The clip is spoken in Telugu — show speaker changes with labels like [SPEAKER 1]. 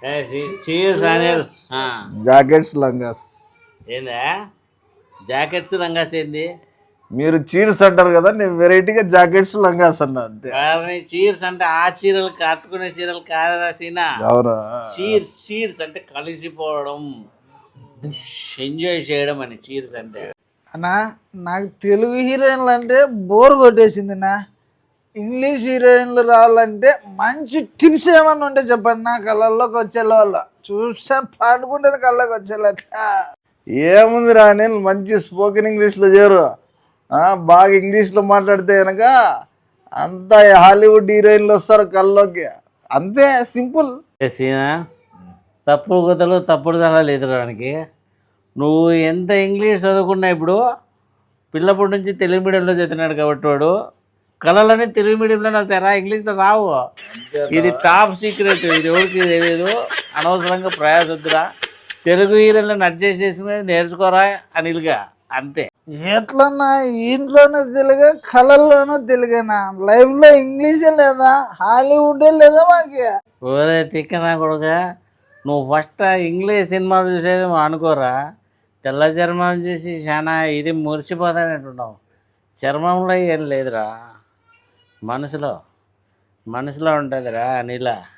[SPEAKER 1] Cheers Anil
[SPEAKER 2] jackets langas.
[SPEAKER 1] ఏందా జాకెట్స్ రంగాస్ ఏంది?
[SPEAKER 2] మీరు చీర్స్ అంటారు కదా, నేను వెరైటీగా జాకెట్స్ లంగాస్ అన్నా అంతే.
[SPEAKER 1] చీర్స్ అంటే ఆ చీరలు కట్టుకునే చీరలు కాదరా సీనా.
[SPEAKER 2] అవునా?
[SPEAKER 1] చీర్స్ చీర్స్ అంటే కలిసిపోవడం, ఎంజాయ్ చేయడం అని చీర్స్ అంటే.
[SPEAKER 3] అన్నా నాకు తెలుగు హీరోయిన్లు అంటే బోర్ కొట్టేసింది నా. ఇంగ్లీష్ హీరోయిన్లు రావాలంటే మంచి టిప్స్ ఏమన్నా ఉంటే చెప్పండి నా. కళ్ళల్లోకి వచ్చేలా వాళ్ళ చూసాను పాడుకుంటే కళ్ళకి వచ్చేలా.
[SPEAKER 2] ఏముంది రా, నేను మంచి స్పోకెన్ ఇంగ్లీష్లో చేరు, బాగా ఇంగ్లీష్లో మాట్లాడితే కనుక అంతా హాలీవుడ్ హీరోయిన్లు వస్తారు కళ్ళలోకి, అంతే సింపుల్.
[SPEAKER 1] సీనా తప్పుడు కథలు తప్పుడు సలహాలు ఎదురడానికి నువ్వు ఎంత ఇంగ్లీష్ చదువుకున్నా ఇప్పుడు పిల్లప్పటి నుంచి తెలుగు మీడియంలో చదివినాడు కాబట్టి వాడు కళలని తెలుగు మీడియంలో సరే ఇంగ్లీష్లో రావు. ఇది టాప్ సీక్రెట్, ఇది ఎవరికి తెలియదు. అనవసరంగా ప్రయాసొద్దురా, తెలుగు హీరోలను అడ్జస్ట్ చేసి నేర్చుకోరా అనిల్గా, అంతే.
[SPEAKER 3] ఎట్లన్నా ఇంట్లోనూ తెలుగు, కళల్లోనూ తెలుగేనా? లైఫ్లో ఇంగ్లీషే లేదా, హాలీవుడే లేదా మాకి?
[SPEAKER 1] ఓరే తిక్కనా కొడుక, నువ్వు ఫస్ట్ ఇంగ్లీష్ సినిమాలు చూసేది అనుకోరా. తెల్ల చర్మం చూసి చాలా ఇది మురిసిపోతానంటున్నావు. చర్మంలో ఏం లేదురా, మనసులో ఉంటుందిరా అనిలా.